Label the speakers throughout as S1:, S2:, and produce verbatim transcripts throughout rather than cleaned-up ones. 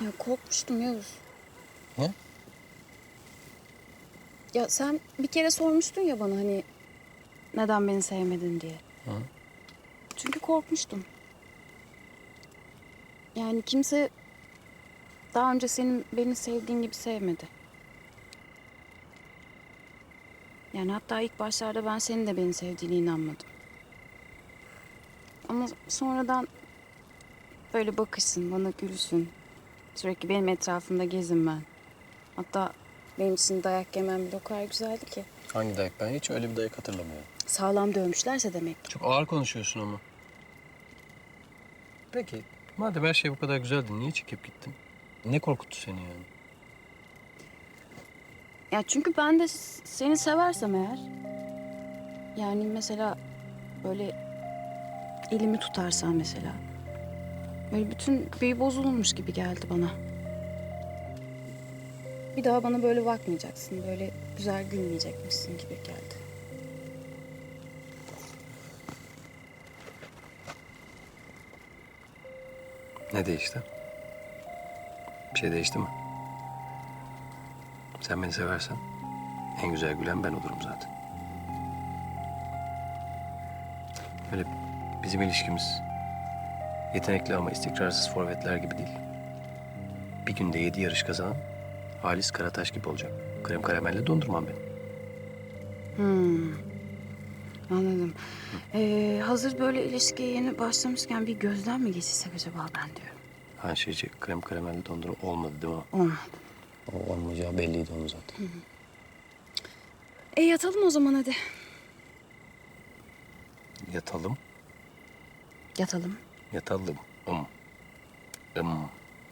S1: Ya korkmuştum Yavuz.
S2: Ne?
S1: Ya sen bir kere sormuştun ya bana hani neden beni sevmedin diye.
S2: Hı.
S1: Çünkü korkmuştum. Yani kimse daha önce senin beni sevdiğin gibi sevmedi. Yani hatta ilk başlarda ben senin de beni sevdiğine inanmadım. Ama sonradan böyle bakışsın, bana gülsün. Sürekli benim etrafımda gezin ben. Hatta benim için dayak yemem bile o kadar güzeldi ki.
S2: Hangi dayak? Ben hiç öyle bir dayak hatırlamıyorum.
S1: Sağlam dövmüşlerse demek.
S2: Çok ağır konuşuyorsun ama. Peki, madem her şey bu kadar güzeldi, niye çekip gittin? Ne korkuttu seni yani?
S1: Ya çünkü ben de s- seni seversem eğer... Yani mesela böyle elimi tutarsan mesela... Böyle bütün büyü bozulmuş gibi geldi bana. Bir daha bana böyle bakmayacaksın. Böyle güzel gülmeyecekmişsin gibi geldi.
S2: Ne değişti? Bir şey değişti mi? Sen beni seversen en güzel gülen ben olurum zaten. Öyle bizim ilişkimiz yetenekli ama istikrarsız forvetler gibi değil. Bir günde yedi yarış kazanan Halis Karataş gibi olacak. Krem karamelli dondurmam benim.
S1: Hmm, anladım. Ee, hazır böyle ilişkiye yeni başlamışken bir gözden mi geçirsek acaba ben diyorum.
S2: Ha şeyci krem karamelli dondurma olmadı değil mi?
S1: Olmadı.
S2: O olmayacağı belliydi onun zaten.
S1: E yatalım o zaman hadi.
S2: Yatalım,
S1: Yatalım.
S2: yatalım. Um. Um.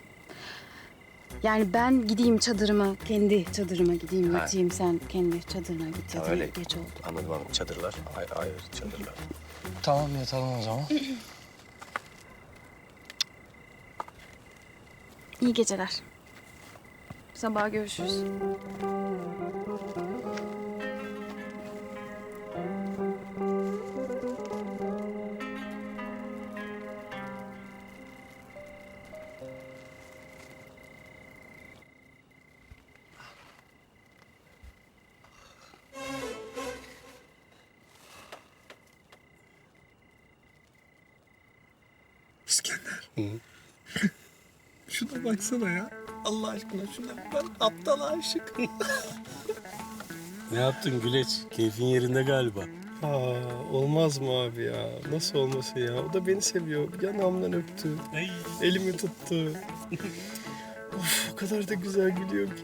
S1: Yani ben gideyim çadırıma, kendi çadırıma gideyim,
S2: Ha.
S1: yatayım, sen kendi çadırına git.
S2: Ha,
S1: Yatayım,
S2: öyle.
S1: geç oldu.
S2: Anladım anladım. Çadırlar. Ay, ayrı çadırlar. Tamam yatalım o zaman.
S1: İyi geceler. Sabah görüşürüz.
S3: İskender. Şuna baksana ya. Allah aşkına şuna ben aptal aşık.
S4: Ne yaptın Güleç? Keyfin yerinde galiba.
S3: Aa, olmaz mı abi ya? Nasıl olmasın ya? O da beni seviyor. Yanağımdan öptü.
S4: Ay.
S3: Elimi tuttu. Of, o kadar da güzel gülüyor ki.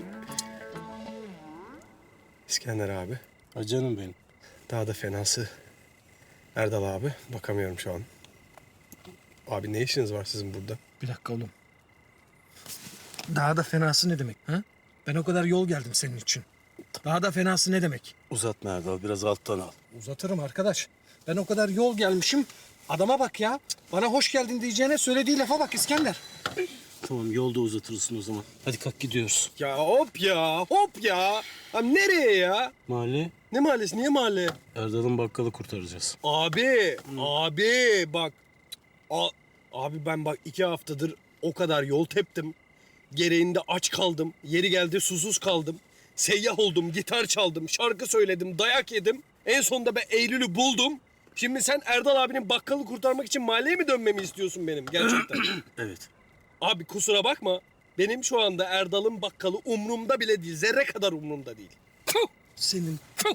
S3: İskender abi.
S4: Ha canım benim.
S3: Daha da fenası. Erdal abi. Bakamıyorum şu an. Abi ne işiniz var sizin burada?
S5: Bir dakika oğlum. Daha da fenası ne demek? Ha? Ben o kadar yol geldim senin için. Daha da fenası ne demek?
S4: Uzatma Erdal, biraz alttan al.
S5: Uzatırım arkadaş. Ben o kadar yol gelmişim. Adama bak ya. Bana hoş geldin diyeceğine söylediği lafa bak İskender.
S4: Tamam, yolda uzatırsın o zaman. Hadi kalk gidiyoruz.
S3: Ya hop ya, hop ya. Abi nereye ya?
S4: Mahalle,
S3: Ne mahallesi, niye mahalle?
S4: Erdal'ın bakkalı kurtaracağız.
S3: Abi, abi bak. A- abi ben bak iki haftadır o kadar yol teptim. Gereğinde aç kaldım. Yeri geldi susuz kaldım. Seyyah oldum, gitar çaldım, şarkı söyledim, dayak yedim. En sonunda ben Eylül'ü buldum. Şimdi sen Erdal abinin bakkalı kurtarmak için mahalleye mi dönmemi istiyorsun benim gerçekten?
S4: Evet.
S3: Abi kusura bakma. Benim şu anda Erdal'ın bakkalı umrumda bile değil. Zerre kadar umrumda değil.
S5: Tüh! Senin tüh!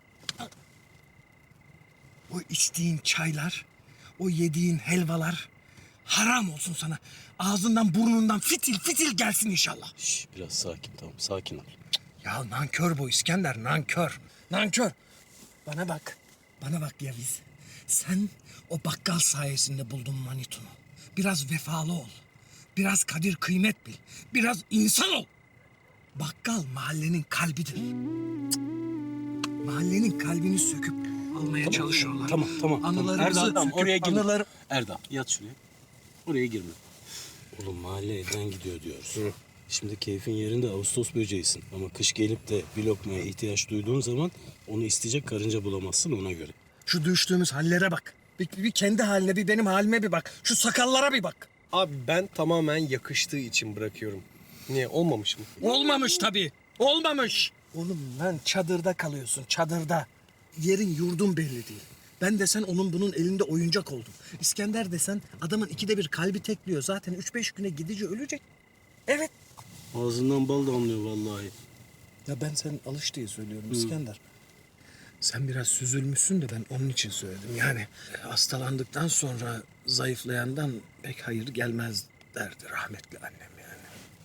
S5: O içtiğin çaylar, o yediğin helvalar haram olsun sana. Ağzından burnundan fitil fitil gelsin inşallah.
S4: Şş, biraz sakin, tamam, sakin ol.
S5: Ya nankör bu İskender, nankör. Nankör. Bana bak, bana bak Yaviz. Sen o bakkal sayesinde buldun Manitun'u. Biraz vefalı ol. Biraz kadir kıymet bil. Biraz insan ol. Bakkal mahallenin kalbidir. Cık. Mahallenin kalbini söküp almaya çalışıyorlar.
S4: Tamam, tamam. tamam.
S5: Anılarımızı
S4: Erdal, tamam,
S5: söküp
S4: oraya girme.
S5: anılar...
S4: Erdal, yat şuraya. Oraya girme. Oğlum mahalle elden gidiyor diyoruz. Şimdi keyfin yerinde Ağustos böceğisin. Ama kış gelip de bir lokmaya ihtiyaç duyduğun zaman onu isteyecek karınca bulamazsın ona göre.
S5: Şu düştüğümüz hallere bak. Bir, bir kendi haline, bir benim halime bir bak. Şu sakallara bir bak.
S3: Abi ben tamamen yakıştığı için bırakıyorum. Niye olmamış mı?
S5: Olmamış tabii. Olmamış. Oğlum lan çadırda kalıyorsun çadırda. Yerin yurdun belli değil. Ben desen onun bunun elinde oyuncak oldum. İskender desen adamın ikide bir kalbi tekliyor. Zaten üç beş güne gidici ölecek. Evet.
S4: Ağzından bal damlıyor vallahi.
S5: Ya ben sen alış diye söylüyorum İskender. Sen biraz süzülmüşsün de ben onun için söyledim. Yani hastalandıktan sonra zayıflayandan pek hayır gelmez derdi rahmetli annem yani.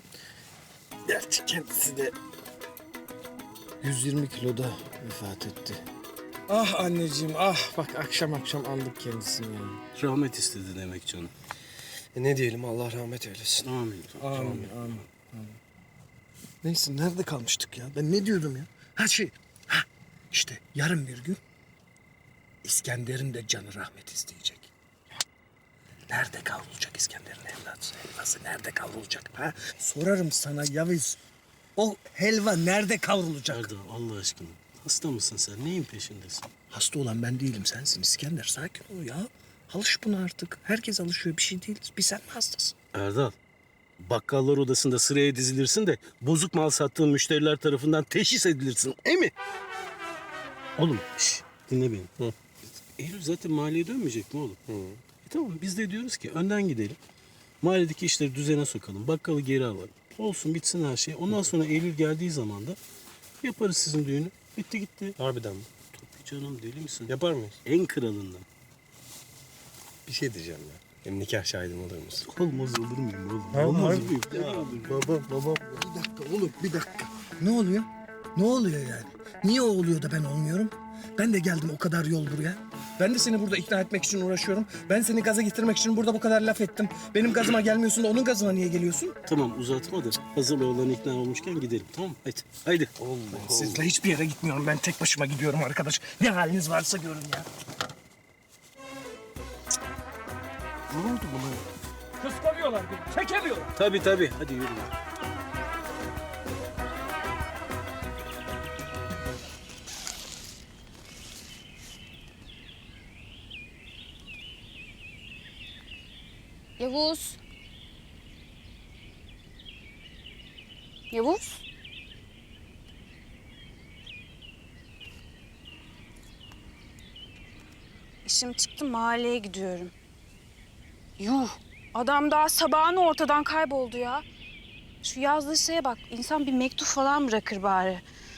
S5: Gerçi kendisi de yüz yirmi kiloda vefat etti. Ah anneciğim ah bak akşam akşam andık kendisini yani.
S4: Rahmet istedi demek canım.
S3: E ne diyelim, Allah rahmet eylesin.
S4: Amin.
S5: Amin, amin, amin. Neyse nerede kalmıştık ya? Ben ne diyordum ya? Ha şey, ha işte yarın bir gün İskender'in de canı rahmet isteyecek. Nerede kavrulacak İskender'in evladı? Helvası nerede kavrulacak? Ha? Sorarım sana Yavuz. O helva nerede kavrulacak?
S4: Erdal Allah aşkına. Hasta mısın sen? Neyin peşindesin?
S5: Hasta olan ben değilim sensin İskender. Sakin ol ya. Alış buna artık. Herkes alışıyor bir şey değil. Bir sen mi hastasın?
S4: Erdal. Bakkallar odasında sıraya dizilirsin de bozuk mal sattığın müşteriler tarafından teşhis edilirsin. E mi? Oğlum şş, dinle beni. Hı. Eylül zaten mahalleye dönmeyecek mi oğlum? Hı. E tamam biz de diyoruz ki önden gidelim. Mahalledeki işleri düzene sokalım. Bakkalı geri alalım. Olsun bitsin her şey. Ondan sonra Eylül geldiği zaman da yaparız sizin düğünü. Bitti gitti.
S3: Harbiden mi?
S4: Tabii canım deli misin?
S3: Yapar mıyız?
S4: En kralından.
S3: Bir şey diyeceğim ya. Benim nikah şahidim olur musun?
S4: Olmaz olur muyum oğlum?
S3: Ha,
S4: Olmaz
S3: harbi.
S4: mıyım?
S3: Baba, baba.
S5: Bir dakika oğlum bir dakika. Ne oluyor? Ne oluyor yani? Niye o oluyor da ben olmuyorum? Ben de geldim o kadar yol buraya. Ben de seni burada ikna etmek için uğraşıyorum. Ben seni gaza getirmek için burada bu kadar laf ettim. Benim gazıma gelmiyorsun da onun gazına niye geliyorsun?
S4: Tamam uzatma da hazır oğlan ikna olmuşken gidelim tamam mı? Haydi. Haydi.
S5: Sizle hiçbir yere gitmiyorum. Ben tek başıma gidiyorum arkadaş. Ne haliniz varsa görün ya. Ne oldu buna? Kıskanıyorlar beni. Çekemiyorlar.
S4: Tabii tabii. Hadi yürü.
S1: Yavuz. Yavuz. İşim çıktı, mahalleye gidiyorum. Yuh, adam daha sabahın ortadan kayboldu ya. Şu yazdığı şeye bak, insan bir mektup falan bırakır bari.